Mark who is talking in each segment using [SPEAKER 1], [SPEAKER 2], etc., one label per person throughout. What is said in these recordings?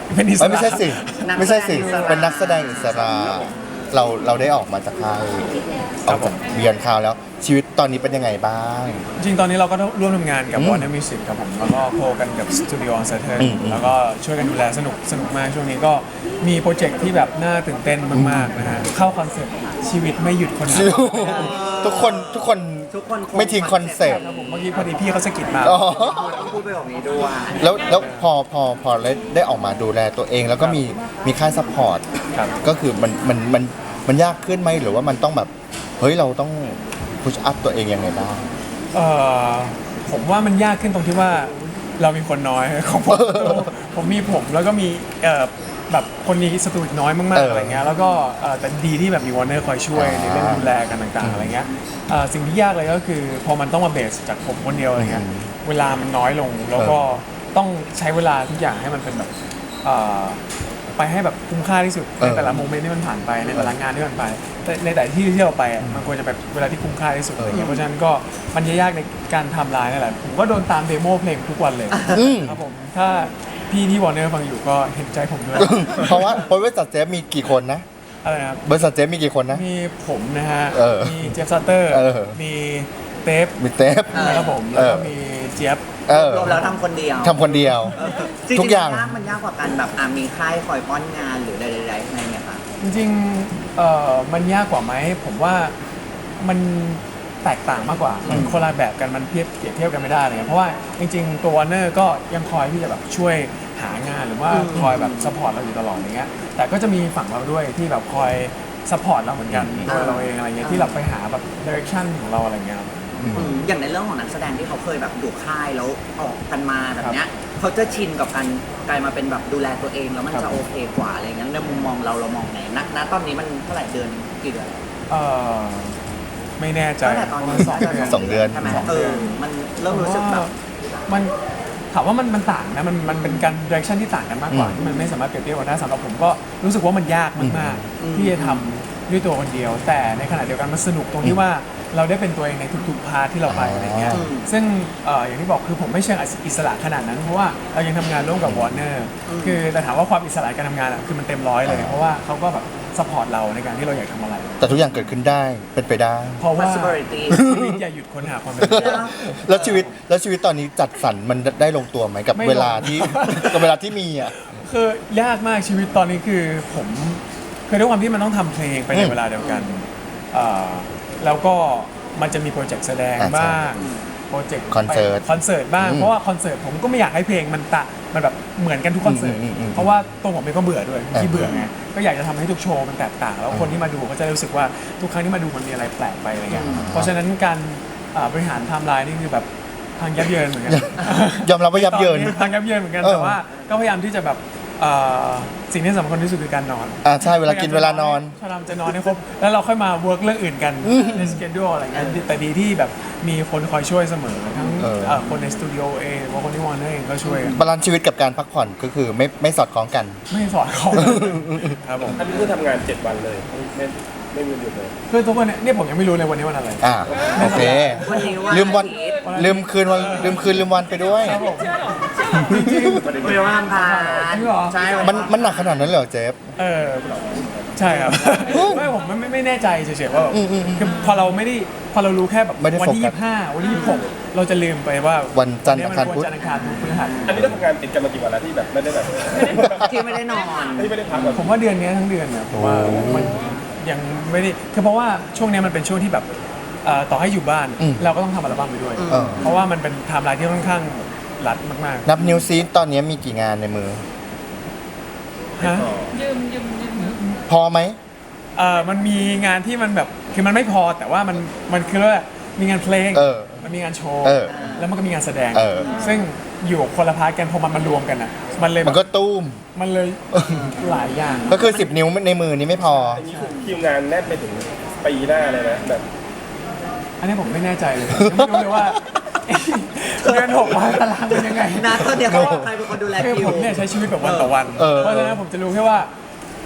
[SPEAKER 1] เป็นอิสระ
[SPEAKER 2] ไม่ใช่สิไม่ใช่สิเป็นนักแสดงอิสระเราได้ออกมาจากค่ายออกจากเบียนคราวแล้วชีวิตตอนนี้เป็นยังไงบ้าง
[SPEAKER 1] จริงๆตอนนี้เราก็ร่วมทำงานกับ Warner Music ครับผมแล้วก็โคกันกับ Studio on Saturn แล้วก็ช่วยกันดูแลสนุกมากช่วงนี้ก็มีโปรเจกต์ที่แบบน่าตื่นเต้นมากๆนะฮะเข้าคอนเซ็ปต์ชีวิตไม่หยุดคนหา
[SPEAKER 2] ทุกคนไม่ทิ้งคอนเซ็ปต์
[SPEAKER 1] ครับผมเมื่อกี้พอดีพี่เขาสะกิดมา
[SPEAKER 2] อ๋อ
[SPEAKER 3] ต้องพูดไปแบบนี้ด้วย
[SPEAKER 2] แล้วพอได้ออกมาดูแลตัวเอง แล้วก็มีค่ายซัพพอร์ต
[SPEAKER 1] ครับ
[SPEAKER 2] ก็คือมันยากขึ้นไหมหรือว่ามันต้องแบบเฮ้ยเราต้องพุชอัพตัวเองยังไงบ้าง
[SPEAKER 1] ผมว่ามันยากขึ้นตรงที่ว่าเรามีคนน้อย ของผมมีผมแล้วก็มีแบบคนนี้สตูดิโอน้อยมากๆอะไรเงี้ยแล้วก็แต่ดีที่แบบมีวอร์เนอร์คอยช่วยในเรื่องดูแลกันต่างๆอะไรเงี้ยสิ่งที่ยากเลยก็คือพอมันต้องมาเบสจากผมคนเดียวอะไรเงี้ยเวลามันน้อยลงแล้วก็ต้องใช้เวลาทุกอย่างให้มันเป็นแบบไปให้แบบคุ้มค่าที่สุดในแต่ละโมเมนต์ที่มันผ่านไปในแต่ละงานที่มันไปในแต่ที่เราไปมันควรจะแบบเวลาที่คุ้มค่าที่สุดอะไรเงี้ยเพราะฉะนั้นก็มันยากในการทำลายนั่นแหละผมก็โดนตามเดโมเพลงทุกวันเลยครับผมถ้าพี่ที่วอร์เนอร์ฟังอยู่ก็เห็นใจผมด้วย
[SPEAKER 2] เพราะว่าบริษัทเจฟมีกี่คนนะ
[SPEAKER 1] อะไรนะครับ
[SPEAKER 2] บริษัทเจฟมีกี่คนนะ
[SPEAKER 1] มีผมนะฮะ มีเจฟซัตเตอร์ มีเตฟ
[SPEAKER 2] มีเจฟ
[SPEAKER 1] นะครับผมแล้วก็มีเจี๊ยบ
[SPEAKER 3] รวมแล้วทำคนเดียว
[SPEAKER 2] ทำคนเดียว
[SPEAKER 3] จริงๆ
[SPEAKER 2] ทุกอย่าง
[SPEAKER 3] มันยากกว่ากันแบบมีค่ายคอยป้อนงานหรือใดๆอะไรเงี้ยค่ะ
[SPEAKER 1] จริงๆมันยากกว่าไหมผมว่ามันแตกต่างมากกว่ามันคนละแบบกันมันเปรียบเทียบกันไม่ได้เลยเพราะว่าจริงๆตัววอร์เนอร์ก็ยังคอยที่จะแบบช่วยหางานหรือว่าคอยแบบซัพพอร์ตเราอยู่ตลอดอย่างเงี้ยแต่ก็จะมีฝั่งเราด้วยที่แบบคอยซัพพอร์ตเราเหมือนกันตัวเราเองอะไรเงี้ยที่เราไปหาแบบดิเรกชันของเราอะไรเงี้ย
[SPEAKER 3] อย่างในเรื่องของนักแสดงที่เขาเคยแบบอยู่ค่ายแล้วออกกันมาแบบเนี้ยเขาจะชินกับการกลายมาเป็นแบบดูแลตัวเองแล้วมันจะโอเคกว่าอะไรเงี้ยในมุมมองเรามองไงณตอนนี้มันเท่าไหร่เดือนกี่เดือน
[SPEAKER 1] ไม่แน่ใจ
[SPEAKER 3] ตั้งแต่ตอนนี้
[SPEAKER 2] สองเดือน
[SPEAKER 3] ใช่ไหมมันเริ่มรู้สึกแบบ
[SPEAKER 1] มันถามว่ามันต่างนะมันเป็นการดิเรกชันที่ต่างกันมากกว่าที่มันไม่สามารถเปรียบเทียบกันได้สำหรับผมก็รู้สึกว่ามันยากมากๆที่จะทำด้วยตัวคนเดียว แต่ในขณะเดียวกันมันสนุกตรงที่ว่าเราได้เป็นตัวเองในทุกๆพาร์ทที่เราไปอะไรเงี้ยซึ่งอย่างที่บอกคือผมไม่เชิงอิสระขนาดนั้นเพราะว่าเรายังทำงานร่วมกับวอร์เนอร์คือแต่ถามว่าความอิสระการทำงานคือมันเต็มร้อยเลยเพราะว่าเขาก็แบบซัพพอร์ตเราในการที่เราอยากทำอะไร
[SPEAKER 2] แต่ทุกอย่างเกิดขึ้นได้เป็นไปได้
[SPEAKER 1] เพราะว่า
[SPEAKER 3] possibility
[SPEAKER 1] ชีวิตอย่าหยุดค้นหาความเป็นไปได้
[SPEAKER 2] แล้วชีวิตตอนนี้จัดสรรมันได้ลงตัวไหมกับ
[SPEAKER 1] ไม่ลง
[SPEAKER 2] เวลาที่ กับเวลาที่มีอ่ะ
[SPEAKER 1] คือยากมากชีวิตตอนนี้คือผมคือด้วยความที่มันต้องทำเพลงไปในเวลาเดียวกันแล้วก็มันจะมีโปรเจกต์แสดงบ้างโปรเจกต์
[SPEAKER 2] คอนเสิร์ต
[SPEAKER 1] บ้างเพราะว่าคอนเสิร์ตผมก็ไม่อยากให้เพลงมันแบบเหมือนกันทุกคอนเสิร์ตเพราะว่าตัวผมเองก็เบื่อด้วยที่เบื่อไงก็อยากจะทำให้ทุกโชว์มันแตกต่างแล้วคนที่มาดูก็จะรู้สึกว่าทุกครั้งที่มาดูมันมีอะไรแปลกไปอะไรเงี้ยเพราะฉะนั้นการบริหารไทม์ไลน์นี่คือแบบพังยับเยินเหมือนกัน
[SPEAKER 2] ยอมรับว่ายับเยิน
[SPEAKER 1] พังยับเยินเหมือนกันแต่ว่าก็พยายามที่จะแบบสิ่งที่สำคัญที่สุดคือการนอน
[SPEAKER 2] ใช่เวลากินเวลานอน
[SPEAKER 1] พยายามจะนอนให้ครบแล้วเราค่อยมาเวิร์กเรื่องอื่นกันในสเกจดูอะไรเงี้ยแต่ดีที่แบบมีคนคอยช่วยเสมอทั้งคนในสตูดิโอเองหรือว่าคนที่วอร์เนอร์เองก็ช่วยกัน
[SPEAKER 2] บาลานซ์ชีวิตกับการพักผ่อนก็คือไม่สอดคล้องกัน
[SPEAKER 1] ไม่สอนเขาครับผม
[SPEAKER 4] อันนี้คือทำงาน 7 วันเลยไม่มีวันหยุดเลย
[SPEAKER 1] คือทุกวันเนี่ยผมยังไม่รู้เลยวันนี้วันอะไร
[SPEAKER 2] โอเค
[SPEAKER 3] วันนี้ว่า
[SPEAKER 2] ลืมวัน
[SPEAKER 3] อาทิตย์
[SPEAKER 2] ลืมคืนวันลืมวันไปด้วย
[SPEAKER 1] ครับผม
[SPEAKER 3] วันนี้ว่าอังคาร
[SPEAKER 1] จริงเหรอ
[SPEAKER 3] ใช่
[SPEAKER 2] มันหนักขนาดนั้นเลยเหรอเจฟ
[SPEAKER 1] ใช่ครับไม่ผมไม่แน่ใจเฉยๆว่าคือพอเรารู้แค่แบบ
[SPEAKER 2] ไม่ได้
[SPEAKER 1] วันที่
[SPEAKER 2] โฟกัส
[SPEAKER 1] 25วันที่26เราจะลืมไปว่า
[SPEAKER 2] วันจันทร์อังคารพุธ
[SPEAKER 1] วันจันทร์อังคารพุธพฤหัส
[SPEAKER 4] อันนี้ต้องทำงานติดกันมากี่วันแล้วที่แบบไม่ได้แบบ
[SPEAKER 3] ที่ไม่ได้นอน
[SPEAKER 4] ที่ไม่ได้พักแบบ
[SPEAKER 1] ผมว่าเดือนนี้ทั้งเดือนเนี่ยผมว่ามันยังไม่ได้คือเพราะว่าช่วงนี้มันเป็นช่วงที่แบบต่อให้อยู่บ้านเราก็ต้องทำอัลบั้มไปด้วย เพราะว่ามันเป็นไทม์ไลน์ที่ค่อนข้างรัดมาก
[SPEAKER 2] นับนิ้วซีตอนนี้มีกี่งานในมือ
[SPEAKER 1] ๆฮะ
[SPEAKER 2] พอไหม
[SPEAKER 1] มันมีงานที่มันแบบคือมันไม่พอแต่ว่ามันคือว่ามีงานเพลงมันมีงานโชว์แล้วมันก็มีงานแสดงซึ่งอยู่คนละพาร์ทกันพอมันมารวมกันอ่ะมันเลย
[SPEAKER 2] มันก็ตุ้ม
[SPEAKER 1] มันเลยหลายอย่าง
[SPEAKER 2] ก็คือ 10 นิ้วในมือนี้ไม่พอ
[SPEAKER 4] อันนี้คือคิวงานแน่นไปถึงปีหน้าเลยนะแบบ
[SPEAKER 1] อันนี้ผมไม่แน่ใจเลยยังไม่รู้เลยว่า เดือน600 ตารางเป็นยังไง
[SPEAKER 3] นะตอนเดียวเขาบอกใครเป็นคนดูแล
[SPEAKER 1] คือ
[SPEAKER 3] คิ
[SPEAKER 1] ผ
[SPEAKER 3] ว
[SPEAKER 1] มเนี่ยใช้ชีวิตแบบวันต่อวัน เพราะฉะนั้นผมจะรู้แค่ว่า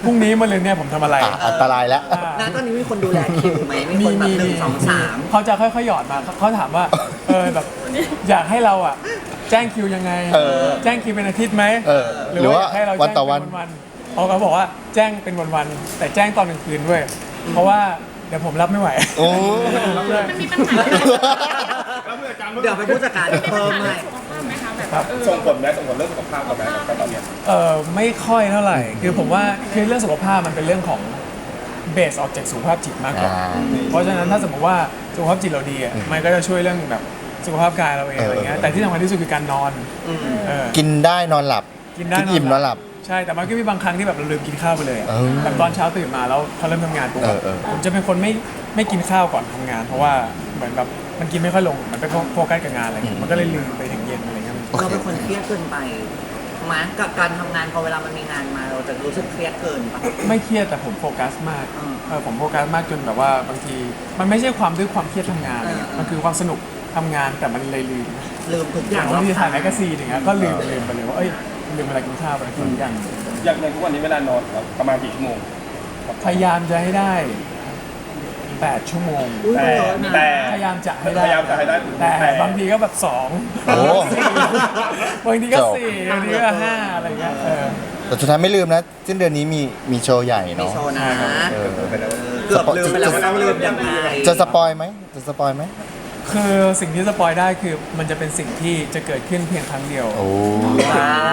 [SPEAKER 1] พรุ่งนี้มะรืนเนี่ยผมทำอะไร
[SPEAKER 2] อันตรายแล้ว
[SPEAKER 1] อ่า
[SPEAKER 3] ณตอนนี้มีคนดูแลคิวไหมมีคนแบบหนึ่งสองสาม
[SPEAKER 1] เขาจะค่อยๆหยอดมาเขาถามว่าแบบอยากให้เราอ่ะแจ้งคิวยังไง แจ้งคิวเป็นอาทิตย์ไหม
[SPEAKER 2] หรือว่า
[SPEAKER 1] อยกให้เรา
[SPEAKER 2] วัน
[SPEAKER 1] แจ้ง
[SPEAKER 2] ต่อวัน
[SPEAKER 1] เป็นวันๆเขาบอกว่าแจ้งเป็นวันๆแต่แจ้งตอนกลางคืนด้วย เพราะว่าเดี๋ยวผมรับไม่ไหว
[SPEAKER 2] โอ้
[SPEAKER 5] มันมีปัญหา
[SPEAKER 3] เดี๋ยวไปผู้จัดการเพิ่มให้
[SPEAKER 5] สุขภาพไหมคะแบบ
[SPEAKER 4] ส่งผลไหมส่งผลเรื่องสุขภาพเราไหมตอนเนี้ย
[SPEAKER 1] ไม่ค่อยเท่าไหร่ คือผมว่าคือเรื่องสุขภาพมันเป็นเรื่องของเบสออกจากสุขภาพจิตมากกว่า เพราะฉะนั้นถ้าสมมติว่าสุขภาพจิตเราดีอ่ะมันก็จะช่วยเรื่องแบบสุขภาพกายเราเองอะไรเงี้ยแต่ที่สำคัญที่สุดคือการนอนเออ
[SPEAKER 2] กินได้นอนหลับ
[SPEAKER 1] กินได้
[SPEAKER 2] อิ่มนอนหลับ
[SPEAKER 1] ใช่แต่มันก็มีบางครั้งที่แบบเราลืมกินข้าวไปเลยอะ
[SPEAKER 2] เออ
[SPEAKER 1] แบบตอนเช้าตื่นมาแล้วพอเริ่มทำงานปุ๊บ
[SPEAKER 2] เออ
[SPEAKER 1] ผมจะเป็นคนไม่กินข้าวก่อนทำงาน เพราะว่าเหมือนแบบมันกินไม่ค่อยลงมันไปโฟกัสกับงานอะไรเงี้ยมันก็เลยลืมไปถึงเย็นอะไรเงี้ย
[SPEAKER 3] เราเป็นคนเครียดเกินไปมั้ยกับการทำงานพอเวลามันมีงานมาเราจะรู้สึกเครียดเกินปะ
[SPEAKER 1] ไม่เครียดแต่ผมโฟกัสมาก
[SPEAKER 3] อืม
[SPEAKER 1] ผมโฟกัสมากจนแบบว่าบางทีมันไม่ใช่ความเครียดทำงานอะไรเงี้ยมันคือความสนุกทำงานแต่มันเลยลืม
[SPEAKER 3] ลืมทุกอา
[SPEAKER 1] อย่ย่าง
[SPEAKER 3] ง
[SPEAKER 1] บางทีถ่ายแมกกาซีนอย่างเงี้ยก็ลืมไปเลยว่าลืมเวลากินข้าวไปทุกอย่าง
[SPEAKER 4] อย่างในทุกวันนี้เวลานอนเราประมาณกี่ชั่วโมง
[SPEAKER 1] พยายามจะให้ได้ 8 ชั่วโมง
[SPEAKER 3] อุ้ย
[SPEAKER 4] แต่
[SPEAKER 3] เยอะนะ
[SPEAKER 4] แต่
[SPEAKER 1] พยายามจะให้ได้
[SPEAKER 4] พยายามจะให้ได้
[SPEAKER 1] แต่บางทีก็แบบ2
[SPEAKER 2] โอ้
[SPEAKER 1] บางทีก็
[SPEAKER 2] จบ
[SPEAKER 1] 4บางทีก็5อะไรเงี้ย
[SPEAKER 2] แต่สุดท้ายไม่ลืมนะสิ้นเดือนนี้มีโชว์ใหญ่
[SPEAKER 3] มี
[SPEAKER 2] เนาะ
[SPEAKER 3] โชว์นะ
[SPEAKER 2] เออ
[SPEAKER 3] เกือบลืมไปแล้วว่าเราลืมยังไง
[SPEAKER 2] จะสปอยไหมจะสปอยไหม
[SPEAKER 1] คือสิ่งที่สปอยได้คือมันจะเป็นสิ่งที่จะเกิดขึ้นเพียงครั้งเดียว
[SPEAKER 2] โอ้
[SPEAKER 3] ว้าว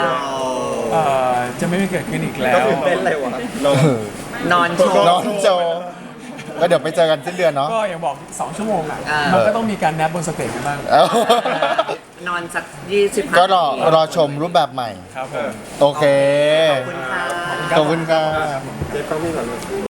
[SPEAKER 1] จะไม่เกิดขึ้นอีกแล้
[SPEAKER 3] ก็
[SPEAKER 1] ว
[SPEAKER 3] ตื่นเต้นเลยวะ
[SPEAKER 4] นอน
[SPEAKER 3] นอนโชว์
[SPEAKER 2] น้องโจก็เดี๋ยวไปเจอกันสิ้นเดือนเนาะ
[SPEAKER 1] ก็อย่างบอก 2 ชั่วโมงอ่ะ
[SPEAKER 3] อ่ามั
[SPEAKER 1] มันก็ต้องมีการแนบบนสเตจกันบ้าง
[SPEAKER 2] เอ้าน
[SPEAKER 3] อนสัก25
[SPEAKER 2] ก็รอชมรูปแบบใหม่
[SPEAKER 1] ครับผม
[SPEAKER 2] โอเค
[SPEAKER 3] ขอบคุณค่ะ
[SPEAKER 2] ขอบคุณค่ะ
[SPEAKER 4] เจ๊ฟังพี่ก่อนเลย